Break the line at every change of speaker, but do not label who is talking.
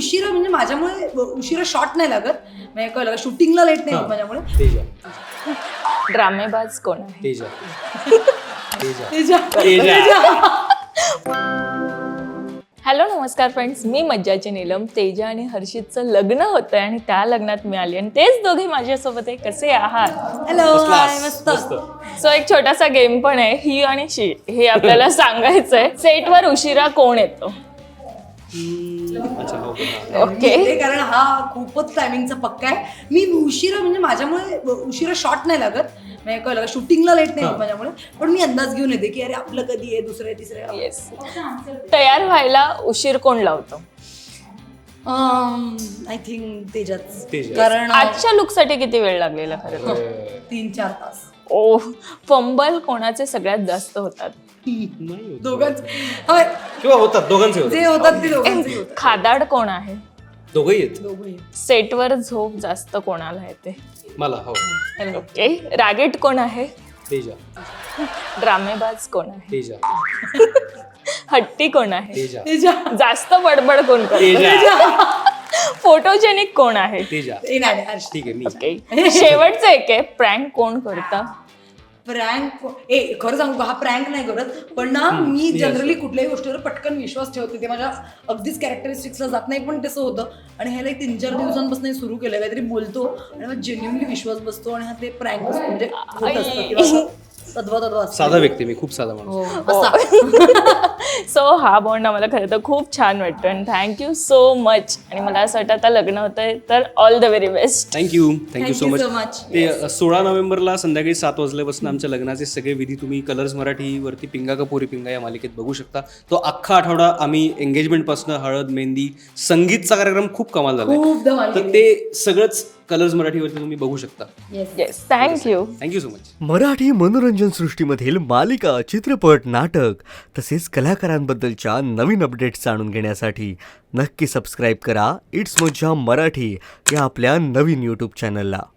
उशिरा म्हणजे माझ्यामुळे उशिरा शॉट नाही लागत, म्हणजे कळलं शूटिंगला लेट नाही होत माझ्यामुळे.
ड्रामेबाज कोण आहे? हॅलो नमस्कार फ्रेंड्स, मी मज्जाची नीलम. तेजा आणि हर्षितचं लग्न होतंय आणि त्या लग्नात मी आली आणि तेच दोघे माझ्यासोबत आहे. कसे आहात?
हॅलो, हाय, मस्त.
सो एक छोटासा गेम पण आहे, ही आणि शी, हे आपल्याला सांगायचंय. सेटवर उशिरा कोण येतो?
ओके, कारण हा खूपच टायमिंगचा पक्का आहे. मी उशिरा म्हणजे माझ्यामुळे उशिरा शॉट नाही लागत, म्हणजे कळलं शूटिंगला लेट नाही होत माझ्यामुळे, पण मी अंदाज घेऊन येते की अरे आपलं कधी आहे, दुसरं आहे, तिसरं आहे.
येस. तयार व्हायला उशीर कोण लावतो?
आय थिंक तेजाच. कारण
आजच्या लुकसाठी किती वेळ लागलेला खरं?
3-4 तास.
ओ, फंबल कोणाचे सगळ्यात जास्त होतात?
दोघांच
किंवा होतात, दोघांचे
जे होतात ते दोघांचे होतात.
खादाड कोण आहे?
दोघंही आहेत.
दोघंही.
सेटवर झोप जास्त कोणाला येते?
मला हो.
ओके. रागीट कोण आहे?
तेजा.
ड्रामेबाज कोण आहे?
तेजा.
हट्टी कोण आहे?
तेजा.
तेजा.
जास्त बडबड कोण करतो?
तेजा.
फोटोजेनिक कोण आहे?
तेजा.
ते नाही, हर्ष.
ठीक आहे मी.
ओके. शेवटचं एक आहे, प्रँक कोण करता?
प्रँक खरं सांगू का, हा प्रँक नाही करत, पण ना मी जनरली कुठल्याही गोष्टीवर पटकन विश्वास ठेवते. ते माझ्या अगदीच कॅरेक्टरिस्टिक्सला जात नाही, पण तसं होतं. आणि ह्याला 3-4 दिवसांपासून सुरू केलं, काहीतरी बोलतो आणि मग जेन्युअनली विश्वास बसतो आणि हा ते प्रँक म्हणजे होत असतं किंवा तद्वा
साधा व्यक्ती, मी खूप साधा माणूस.
सो हा बॉन्ड आम्हाला खरं तर खूप छान वाटतो आणि थँक्यू सो मच. आणि मला असं वाटतं आता लग्न होतंय तर all the very best.
Thank you so
so
much. ते 16 नोव्हेंबरला संध्याकाळी 7 वाजल्यापासून आमच्या लग्नाचे सगळे विधी तुम्ही कलर्स मराठीवरती पिंगा का पोरी पिंगा या मालिकेत बघू शकता. तो अख्खा आठवडा आम्ही एंगेजमेंटपासून हळद, मेहंदी, संगीतचा कार्यक्रम खूप कमाल झाला, तर ते सगळंच कलर्स मराठीवरती तुम्ही बघू शकता.
Yes, thank you
so much.
Marathi मनोरंजन सृष्टीमधील मालिका, चित्रपट, नाटक तसेच कलाकारांबद्दलच्या नवीन अपडेट्स जाणून घेण्यासाठी नक्की सबस्क्राईब करा इट्स मज्जा मराठी या आपल्या नवीन यूट्यूब चॅनलला.